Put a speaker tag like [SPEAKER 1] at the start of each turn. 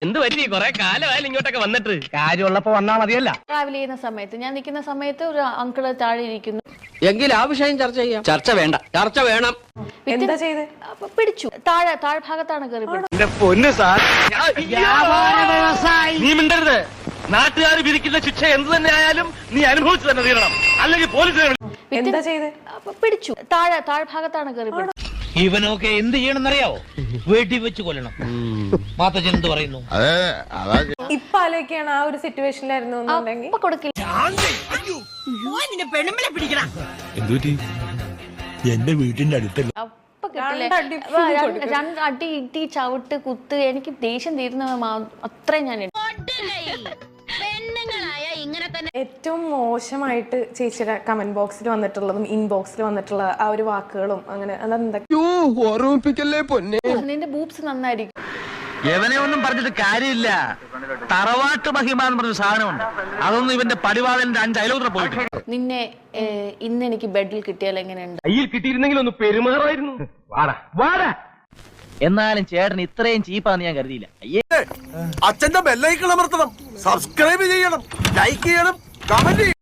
[SPEAKER 1] എന്ത് പറ്റി കൊറേ കാലമായാലും ഇങ്ങോട്ടൊക്കെ വന്നിട്ട്
[SPEAKER 2] കാര്യമുള്ളപ്പോ വന്നാ മതിയല്ല.
[SPEAKER 3] ട്രാവൽ ചെയ്യുന്ന സമയത്ത് ഞാൻ നിൽക്കുന്ന സമയത്ത് ഒരു അങ്കിള് താഴെ ഇരിക്കുന്നു.
[SPEAKER 1] എങ്കിൽ ആ വിഷയം ചർച്ച ചെയ്യാം. ചർച്ച വേണ്ട, ചർച്ച വേണം.
[SPEAKER 4] എന്താ ചെയ്തേ?
[SPEAKER 3] അപ്പൊ പിടിച്ചു. താഴ്ഭാഗത്താണ് കയറി പിടിച്ചത്.
[SPEAKER 2] എന്റെ പൊന്ന് സാർ,
[SPEAKER 1] നീ മിണ്ടരുത്. നാട്ടുകാർ വിധിക്കുന്ന ശിക്ഷ എന്ത് തന്നെ ആയാലും നീ അനുഭവിച്ചു തന്നെ തീരണം, അല്ലെങ്കിൽ പോലീസിനെ
[SPEAKER 4] എന്താ ചെയ്തേ?
[SPEAKER 3] അപ്പൊ പിടിച്ചു. താഴ്ഭാഗത്താണ് കയറി പിടിച്ചത്.
[SPEAKER 5] ഇവനൊക്കെ എന്ത് ചെയ്യണമെന്നറിയാവോ? വീട്ടിൽ വെച്ച് കൊല്ലണം. മാത്തച്ഛൻ എന്ത് പറയുന്നു?
[SPEAKER 4] ഇപ്പൊ ആലോചിക്കാണ് ആ ഒരു സിറ്റുവേഷനിലായിരുന്നു എന്നുണ്ടെങ്കിൽ
[SPEAKER 3] അപ്പൊ കൊടുക്കില്ല.
[SPEAKER 5] എന്റെ വീട്ടിന്റെ അടുത്തല്ല.
[SPEAKER 3] അപ്പൊ കിട്ടില്ല.
[SPEAKER 4] രണ്ടടി കൊടുക്കും.
[SPEAKER 3] രണ്ടടി ഇട്ടി ചവിട്ട് കുത്ത്. എനിക്ക് ദേഷ്യം തീരുന്ന അത്രയും ഞാൻ
[SPEAKER 4] ഏറ്റവും മോശമായിട്ട് ചേച്ചിയുടെ കമന്റ് ബോക്സിൽ വന്നിട്ടുള്ളതും ഇൻബോക്സിൽ വന്നിട്ടുള്ള ആ ഒരു വാക്കുകളും അങ്ങനെ അതെന്തൊക്കെ?
[SPEAKER 2] ഓർമ്മിപ്പിക്കല്ലേ പൊന്നെ.
[SPEAKER 3] നിന്റെ ബൂബ്സ് നന്നായിരിക്കും.
[SPEAKER 6] എവനെ ഒന്നും പറഞ്ഞിട്ട് കാര്യമില്ല. തറവാട്ട് മഹിമ എന്ന് പറഞ്ഞ സാധനമുണ്ട്. അതൊന്നും ഇവന്റെ പടിവാളന്റെ 5 അയലോത്ര പോയിട്ട്.
[SPEAKER 3] നിന്നെ ഇന്ന് എനിക്ക് ബെഡിൽ കിട്ടിയാൽ എങ്ങനെയുണ്ട്?
[SPEAKER 1] കയ്യിൽ കിട്ടിയിരുന്നെങ്കിൽ ഒന്ന് പെരുമാറായിരുന്നു. വാടാ വാടാ.
[SPEAKER 6] എന്നാലും ചേട്ടൻ ഇത്രയും ചീപ്പാന്ന് ഞാൻ കരുതിയില്ല.
[SPEAKER 7] അച്ഛന്റെ ബെല്ലൈക്കൺ അമർത്തണം, സബ്സ്ക്രൈബ് ചെയ്യണം, ലൈക്ക് ചെയ്യണം, കമന്റ് ചെയ്യണം.